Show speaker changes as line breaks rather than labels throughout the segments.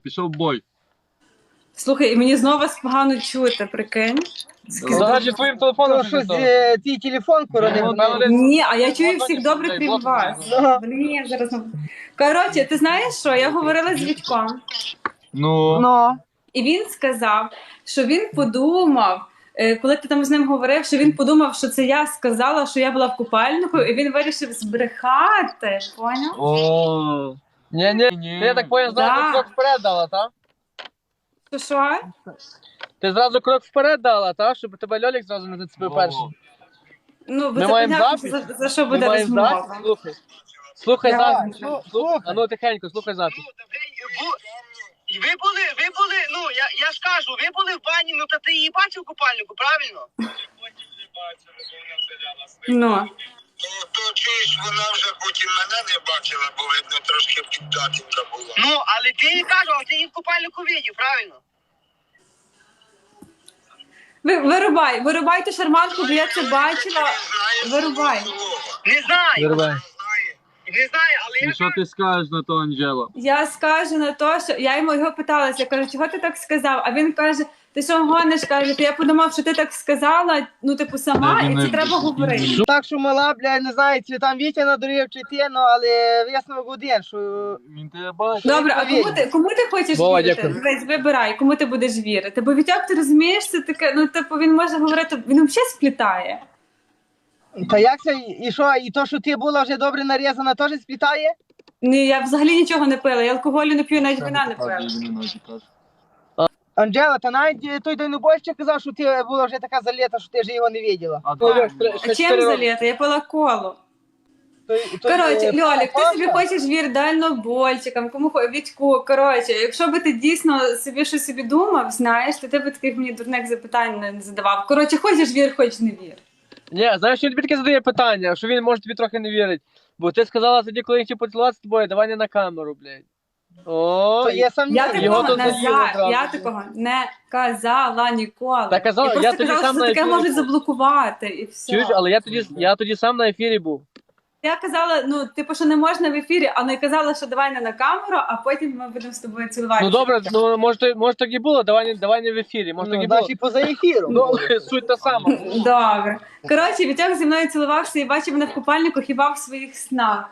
Пішов бой.
Слухай, і мені знову вас погано чути, прикинь.
Зараз твоїм телефоном
Щось твій телефон коронив.
Ні, а я чую всіх добре, крім вас. Блін, зараз... Коротше, ти знаєш що? Я говорила з Вітьком.
Ну.
І він сказав, що він подумав, коли ти там з ним говорив, що він подумав, що це я сказала, що я була в купальнику, і він вирішив збрехати, поняв?
О.
Ні. Я так поняв, зразу
Да.
крок вперед дала, так?
Що?
Ти зразу крок вперед дала, так? Щоб тебе Льолік зразу не зацепив перший.
Ну, бо
Ми
це
маємо
понятно,
запис?
за що
Ми
буде
маємо
розмова.
запис? Слухай
Давай.
запис. А ну тихенько, слухай запис.
Ви були, ну, я ж кажу, ви були в бані, ну, та ти її бачив в купальнику, правильно?
Ну.
То чуєш, вона вже потім мене не бачила, бо видно трошки піддатінка була.
Ну, але ти їй кажу, а ти її в купальнику видів, правильно?
Вирубай ту шарманку, бо я це бачила. Вирубай.
Не знаю,
Вирубай.
не знаю, але
І
я
що ти скажеш на то, Анджела?
Я скажу на то, що я його питалася, я кажу, чого ти так сказав? А він каже, ти що гониш? Каже, я подумав, що ти так сказала, ну типу сама, і це треба говорити.
Так, що мала, блядь, не знаю, чи там Вітя надурив, чи ти, ну, але висновок один, що...
Він тебе бачить.
Добре, а кому ти хочеш
Вова,
вірити?
дякую.
Дивись, вибирай, кому ти будеш вірити. Бо Вітяк, ти розумієш, це таке, ну типу він може говорити, він взагалі сплітає.
Та як це, і що, і то, що ти була вже добре нарізана, теж сплітає?
Ні, я взагалі нічого не пила, я алкоголю не п'ю, навіть вина не пила.
Анджела, та навіть той дальнобойщик казав, що ти була вже така заліта, що ти вже його не виділа.
А чим заліта? Я пила колу. Коротше, Льолік, ти собі хочеш вір дальнобойчикам, кому Вітьку. Коротше, якщо би ти дійсно собі щось собі думав, знаєш, то ти б таких мені дурних запитань не задавав. Коротше, хочеш вір, хоч не вір.
Ні, знаєш, що він тобі таке задає питання, що він може тобі трохи не вірить. Бо ти сказала тоді, коли я хотів поцілуватися з тобою, давай не на камеру, блядь. О,
Я сам
Його тут заділи одразу.
Я такого не казала ніколи.
Та казала,
я
я
просто
тоді
казала,
сам
що
на
таке
ефірі
можуть
був.
заблокувати і все.
чуєш, але я тоді сам на ефірі був.
Я казала, ну, типу, що не можна в ефірі, але казала, що давай не на камеру, а потім ми будемо з тобою цілуватися.
Ну добре, ну може так і було, давай не в ефірі, може так і було.
Значить, поза ефіром.
Ну, суть та сама.
Добре. Коротше, Вітяк зі мною цілувався і бачив мене в купальнику хіба в своїх снах.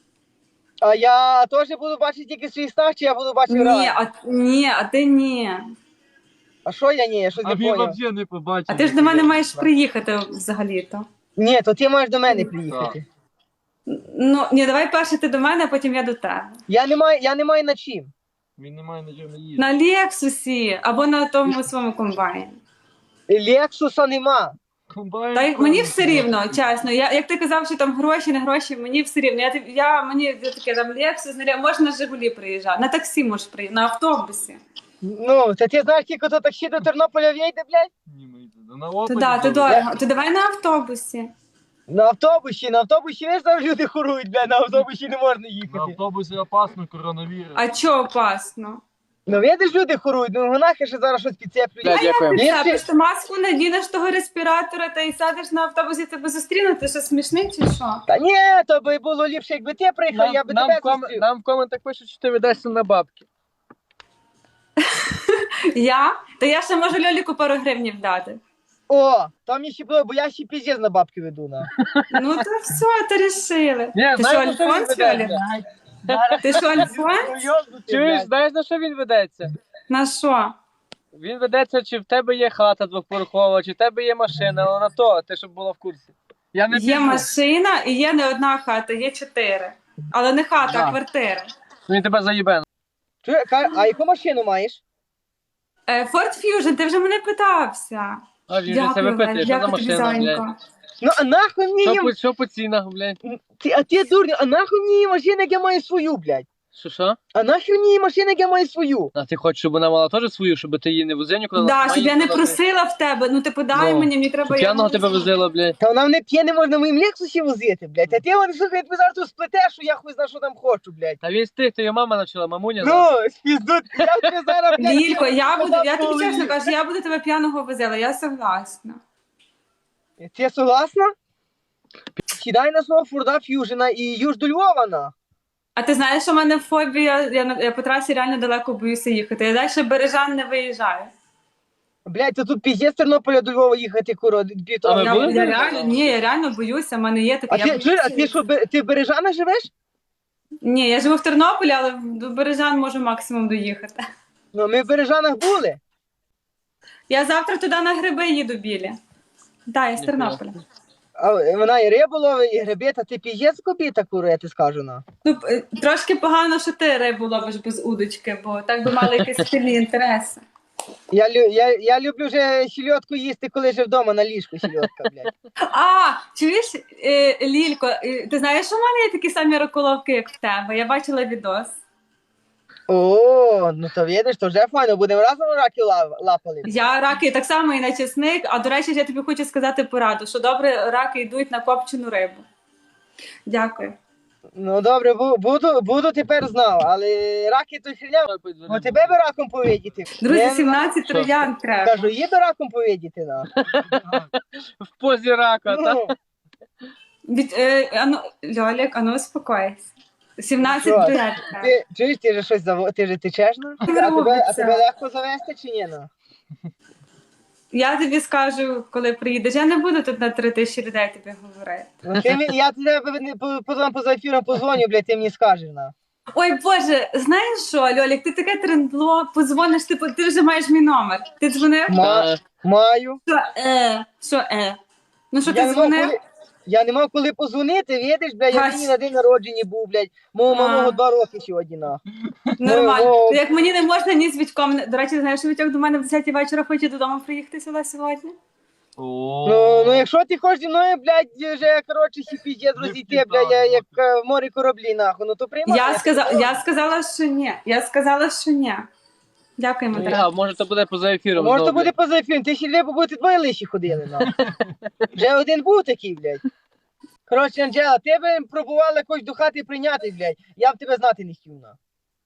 А я теж буду бачити тільки свій став, чи я буду бачити раз?
Ні, а ти ні.
А що я ні? Я щось
А
не
він
поняв.
взагалі не побачив.
А ти ж до мене маєш приїхати взагалі-то.
Ні, то ти маєш до мене приїхати.
Ну, ні, давай перше ти до мене, а потім я до тебе.
Я не маю на чим.
Він не має на чому їсти.
На Лексусі або на тому своєму комбайні.
Лексуса нема.
Комбайн,
Та й мені все рівно, чесно. Як ти казав, що там гроші, не гроші, мені все рівно. Мені таке там Лексус, можна на Жигулі приїжджати, на таксі можеш приїхати, на автобусі.
Ну, та ти знаєш, скільки то таксі до Тернополя в'їде, блядь?
Ні, ми йдемо. На опаді.
То дорого. То давай на автобусі.
На автобусі, ви ж там люди хорують, блядь, на автобусі не можна
На
їхати.
автобусі опасно, коронавірус.
А чого опасно?
Ну, видиш, люди хорують, ну нахи ще зараз щось підцеплюють.
Да, дякую.
Ти
Якщо-
просто маску надінеш того респіратора та й садиш на автобусі, тебе зустрінуть, ти що смішний чи що?
Та ні, то би було ліпше, якби ти приїхав, я би тебе зустрів.
Нам в коментах пишуть, що ти ведешся на бабки.
Та я ще можу Льоліку пару гривнів дати.
О, там ще було, бо я ще піздець на бабки веду, на.
Ну то все, то рішили.
Ні,
Ти що,
знаєш, на що він
Альфонс, Льолік?
ведеться?
Ти що, Альфонс?
Чуєш, знаєш, на що він ведеться?
На що?
Він ведеться, чи в тебе є хата двохповерхова, чи в тебе є машина, але на то, ти щоб була в курсі. Я не
Є
піду.
машина і є не одна хата, є 4. Але не хата, а
Да.
квартира.
Він тебе заїбе.
А яку машину маєш?
Ford Fusion, ти вже мене питався.
А він же це випитує, що за
дякую тобі,
машина, блядь.
зайенько.
Ну, а нахуй мені їм...
Що по цінах, блядь?
А ти дурня, а нахуй мені її машина, як я маю свою, блядь?
Що?
А нахуй мені її машина, як я маю свою?
А ти хочеш, щоб вона мала теж свою, щоб ти її не возив нікуди?
Да,
Вона
щоб я не
їздила,
просила в тебе, ну ти подай
Ну,
мені треба...
щоб п'яного тебе возила, блядь.
Та вона мене п'є, не можна моїм Лексусі возити, блядь. А ти вони, слухай, я тобі зараз тут сплетеш, що я хуй знаю, що там хочу, блядь.
Та він з тих, то його мама навчила, мамуня.
Ну, спіздут, я тобі зараз, блядь...
Лілько, я тобі
Казав,
чесно кажу, я буду тебе п'яного возила, я согласна.
Ти согласна? Сідай на свого Форда Ф'южена і їж до Львова, на.
А ти знаєш, що в мене фобія, я по трасі реально далеко боюся їхати. Я далі Бережан не виїжджаю.
Блядь, то тут піздець з Тернополя до Львова їхати, куро.
А ви
Я,
були?
я реально, ні, я реально боюся, в мене є таке.
А
Я
ти, чуєш, а ти що, ти в Бережанах живеш?
Ні, я живу в Тернополі, але до Бережан можу максимум доїхати.
Ну, ми в Бережанах були.
Я завтра туди на гриби їду білі. Так, я з
Ніхуя.
Тернополя.
А вона і рибу ловить, і гриби, та ти піздець копіта, куро, я ти скажу, на.
Ну, трошки погано, що ти рибу ловиш без удочки, бо так би мали якісь спільні інтереси.
Я люблю вже сільотку їсти, коли вже вдома на ліжку сільотка, блядь.
А, чуєш, Лілько, ти знаєш, що в мене є такі самі раколовки, як в тебе? Я бачила відос.
О, ну то видиш, то вже файно, будемо разом раки лапали.
Я раки так само і на чесник, а до речі, я тобі хочу сказати пораду, що добре раки йдуть на копчену рибу. Дякую.
Ну добре, буду тепер знав, але раки то херня. Ну тебе би раком повидіти.
Друзі,
Не,
17 троян треба.
кажу, їду раком повидіти, на.
В позі рака, так?
Ну,
Льолік, ану успокойся. 17
Що?
троян треба.
ти чуєш, ти же щось ти же течеш, ну? А тебе легко завести чи ні, ну?
Я тобі скажу, коли приїдеш. Я не буду тут на 3000 людей тобі говорити.
Ну, я тебе поза ефіром позвоню, блядь, ти мені скажеш, на.
Ой, Боже, знаєш що, Льолік, ти таке трендло, позвониш, ти вже маєш мій номер. Ти дзвонив?
Маю.
Що? Ну що,
Я
ти
не мав
дзвонив?
коли- Я не мав коли позвонити, видиш, блядь, я
Гась.
мені на день народження був, блядь. Мого малого 2 роки сьогодні, на.
Нормально.
Ну,
Як мені не можна ні з Вітьком. До речі, знаєш, що Вітьок до мене в 10 вечора хоче додому приїхати сюди сьогодні?
Ну, якщо ти хочеш зі мною, блядь, вже, коротше, піздець розійти, блядь, як в морі кораблі, нахуй, ну то приймай.
Я сказала, що ні. Я сказала, що ні. Дякуємо,
А,
дорога.
може то буде поза ефіром.
Може, то
знову,
буде поза ефіром, ти ще дві побути двоє лиші ходили, нахуй. Вже один був такий, блядь. Коротше, Анджела, тебе пробували якось до хати прийняти, блядь. Я б тебе знати не хотів, на.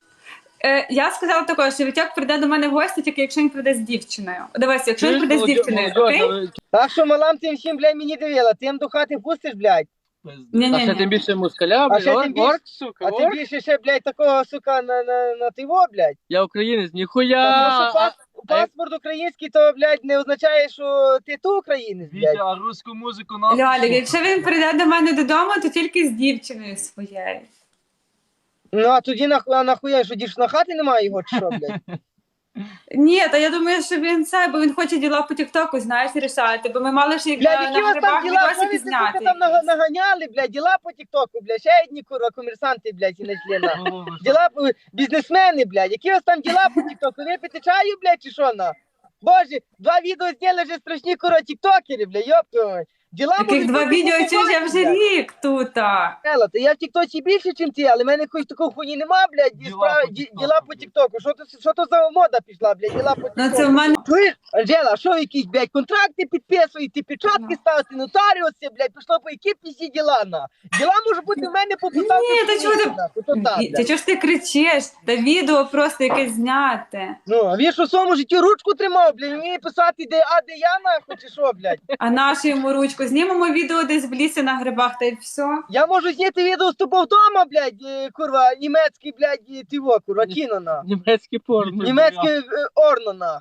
Я сказала також, що Вітьок прийде до мене в гості, тільки якщо він прийде з дівчиною. Дивись, якщо він прийде з дівчиною, окей?
Так що малам тим всім, блядь, мені дивила, тим до хати пустиш, блядь.
А ще тим більше мускаля,
А ще
блядь,
тим більше-
орк, сука,
А тим
орк.
більше ще, блядь, такого, сука, на тиво, блядь.
Я українець,
Тому
ніхуя.
що паспорт український, то, блядь, не означає, що ти ту українець, блядь.
Вітя, а руську музику нам.
Льолік, якщо він прийде до мене додому, то тільки з дівчиною своєю.
Ну, а тоді нахуя, що дівчина хати немає його, чи що, блядь?
Ні, та я думаю, що він це, бо він хоче діла по Тіктоку, знаєш, рішати, бо ми мали ж
Блядь, які у вас там діла,
відосики
ви
зняти.
там наганяли, блядь, діла по тіктоку, блядь, ще одні, курва, комерсанти, блядь, і члена. Діла, бізнесмени, блядь, які у вас там діла по тіктоку, ви пити чаю, блядь, чи що, на? Боже, 2 відео зняли вже страшні, курва, тіктокери, блядь, ёб твою мать. Діла
Таких
можуть
2
бути
відео,
по
чи ж я вже
блядь.
рік тут.
Елла, то я в тіктоці більше, ніж ти, але в мене якоїсь такої хуйні нема, блядь, діла по тіктоку. Що то за мода пішла, блядь, діла по
Ну
тіктоку.
це в мене.
Чуєш, Анжела, а що ви якісь, блядь, контракти підписуєте, печатки ставите, нотаріуси, блядь, пішло по які всі діла, на. Діла може бути в мене по поставку.
Ні, та чого ти- Та
ти?
чого ж ти кричиш? Та відео просто якесь зняти.
Ну, а він що в своєму житті ручку тримав, блядь, вміє писати, де я, нахуй, чи що, блядь.
А нашу йому ручку знімемо відео десь в лісі на грибах, та й все.
Я можу зняти відео з тобою вдома, блядь, курва, німецький, блядь, тиво, курва, кіно, на.
Німецький порно.
Німецьке орно, на.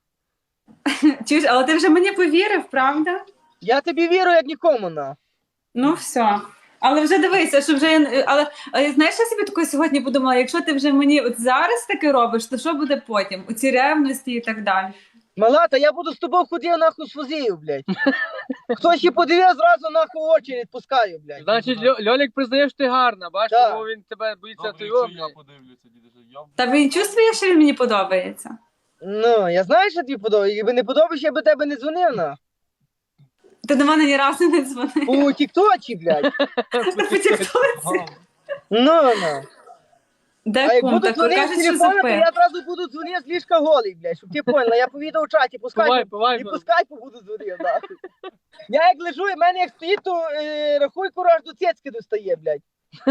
Чуєш, але ти вже мені повірив, правда?
Я тобі вірю, як нікому, на.
Ну все. Але вже дивися, що вже але знаєш, я собі такою сьогодні подумала, якщо ти вже мені от зараз таке робиш, то що буде потім? У ці ревності і так далі.
Мала, та я буду з тобою ходив, нахуй, з фузію, блядь. Хтось ще подивив, зразу, нахуй, очі відпускаю, блядь.
Значить, Льолік признає, що ти гарна, бачиш,
Так.
тому він тебе боїться
Добре,
твого.
якщо я подивлюся, дідусь.
Та він чувствує, що він мені подобається.
Ну, я знаю, що тобі подобається. Якби не подобається, я би тебе не дзвонив, на.
Ти до мене ні разу не дзвонив.
У тіктоці, блядь.
По тіктоці.
Ну.
Де
А як
кум?
буду
Так
дзвонити з
кажуть, що
телефона, то
запи.
я одразу буду дзвонити з ліжка голий, блядь, щоб ти поняла. Я по відеочаті по скайпу.
Повай,
І по скайпу буду дзвонив, нахуй. Я як лежу, і в мене як стоїть, то рахуй, кураж до цецьки достає, блядь.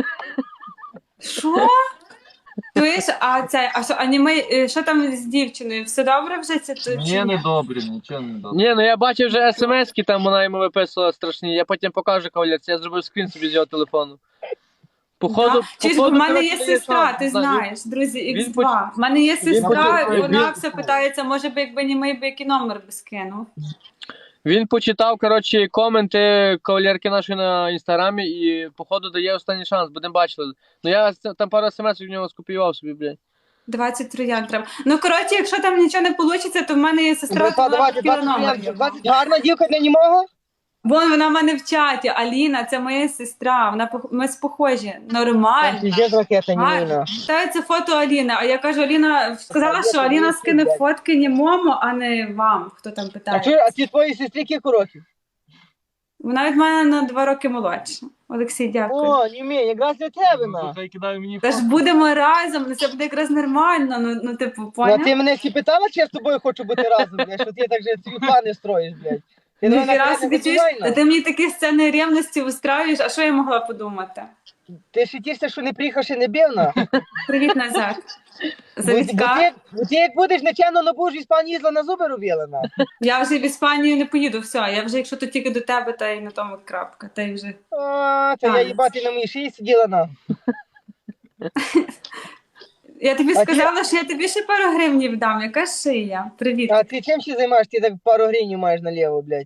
Що? Чуєш, що там з дівчиною? Все добре вже?
Мені не добре, нічого не добре.
Ні, ну я бачив вже смс-ки, там вона йому виписувала страшні. Я потім покажу кавалерці, я зробив скрін собі з його телефону. Походу,
Да. Чи ж в мене
коротше,
є
дає
сестра,
шанс.
ти
Да,
знаєш, друзі,
він
X2. В мене є сестра,
почав-
і вона
він-
все питається, може би, якби німий би який номер би скинув.
Він почитав, коротше, коменти кавалерки нашої на інстаграмі і, походу, дає останній шанс, будемо бачили. Ну я там пару смс в нього скопіював собі, блядь.
20 троян треба. Ну, коротше, якщо там нічого не вийде, то в мене є сестра, то
Братва,
вона
давайте,
хотіла
20
номер.
клієнтів. 20 гарна дівка для німого?
Вон вона в мене в чаті, Аліна, це моя сестра, ми похожі, нормально.
Є ракета
Гарно.
німина.
Та це фото Аліни, а я кажу, Аліна сказала, що Аліна скине фотки німому, а не вам, хто там
А
питає.
ті твої сестри кілька років?
Вона від мене на 2 роки молодша. Олексій, дякую.
О, німі, якраз для тебе,
Ну,
на.
хай кидає мені
Та ж будемо разом, ну це буде якраз нормально, ну типу,
Ну, а
поняв?
ти мене всі питала, чи я з тобою хочу бути разом, блядь, що ти так же свої плани строїш, блядь. Ти
Ніхіра
мене
собі чуєш,
натурально.
ти мені такі сцени ревності устраюєш, а що я могла подумати?
Ти ще тішся, що не приїхав, ще не бив, на.
Привіт, Назар.
Бо
Завітька.
ти як будеш нечемно, ну будеш в Іспанії їздила на зуби робила, на.
Я вже в Іспанію не поїду, все. Я вже, якщо то тільки до тебе, та й на тому крапка. Та й вже.
А, то я
Так.
їбати на моїй шиї сиділа, на.
Я тобі
А
сказала, що я тобі ще пару гривнів дам. Яка шия? Привіт.
А ти чим ще займаєш? Ти так пару гривень маєш наліво, блядь.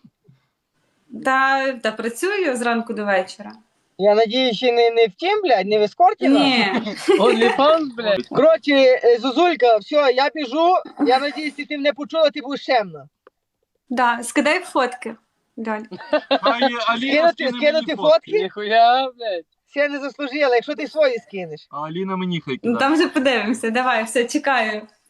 Та працюю зранку до вечора.
Я надію, ще не в тім, блядь, не в ескорті, на.
Ні.
OnlyFans, блядь.
Коротше, Зозулька, все, я біжу. Я надіюсь, ти мене почула, ти будеш чемна.
Да, скидай фотки. Льоль.
Хай Аліна скине
Скинути
мені
фотки?
Ніхуя, блядь.
Ще не заслужила, якщо ти свої скинеш.
А Аліна мені хай
Ну
кидає.
там вже подивимося. Давай, все, чекаю.